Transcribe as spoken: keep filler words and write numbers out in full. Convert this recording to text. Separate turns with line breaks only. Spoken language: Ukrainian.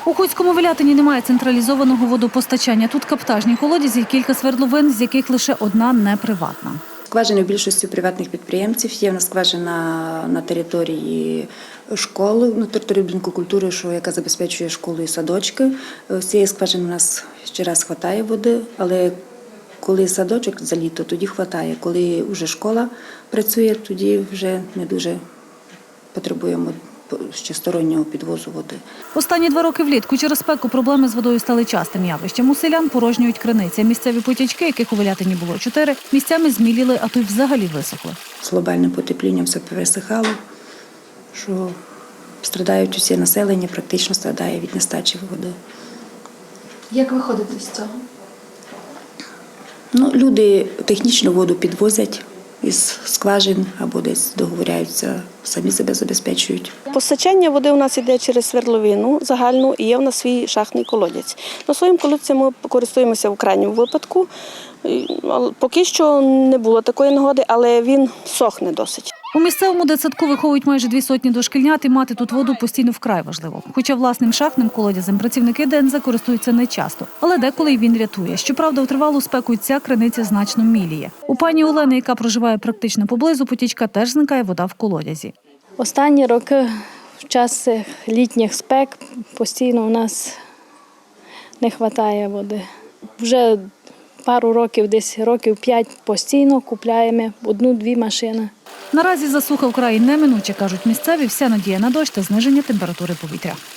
У Хуцькому Велятині немає централізованого водопостачання. Тут каптажні колодязі і кілька свердловин, з яких лише одна не приватна.
Скважини в більшості приватних підприємців. Є в нас скважина на території школи, на території будинку культури, що, яка забезпечує школу і садочки. З цієї скважини у нас ще раз вистачає води, але коли садочок за літо, тоді вистачає. Коли вже школа працює, тоді вже не дуже потребуємо ще стороннього підвозу води.
Останні два роки влітку через спеку проблеми з водою стали частим явищем. У селян порожнюють криниці. Місцеві потічки, яких у Велятині було чотири, місцями зміліли, а то й взагалі висохли.
З глобальним потеплінням все пересихало, що страдають усі населення, практично страдає від нестачі води.
Як виходити з цього?
Ну, люди технічну воду підвозять із скважин або десь договоряються, самі себе забезпечують.
Постачання води у нас йде через свердловину загальну і є в нас свій шахтний колодязь. На своїм колодці ми користуємося в крайньому випадку. Поки що не було такої нагоди, але він сохне досить.
У місцевому дитсадку виховують майже дві сотні дошкільнят, і мати тут воду постійно вкрай важливо. Хоча власним шахтним колодязем працівники ДНЗ користуються нечасто, але деколи й він рятує. Щоправда, у тривалу спеку й ця криниця значно міліє. У пані Олени, яка проживає практично поблизу потічка, теж зникає вода в колодязі.
Останні роки в час літніх спек постійно у нас не вистачає води. Вже пару років, десь років п'ять постійно купляємо одну-дві машини.
Наразі засуха вкрай неминуче, кажуть місцеві, вся надія на дощ та зниження температури повітря.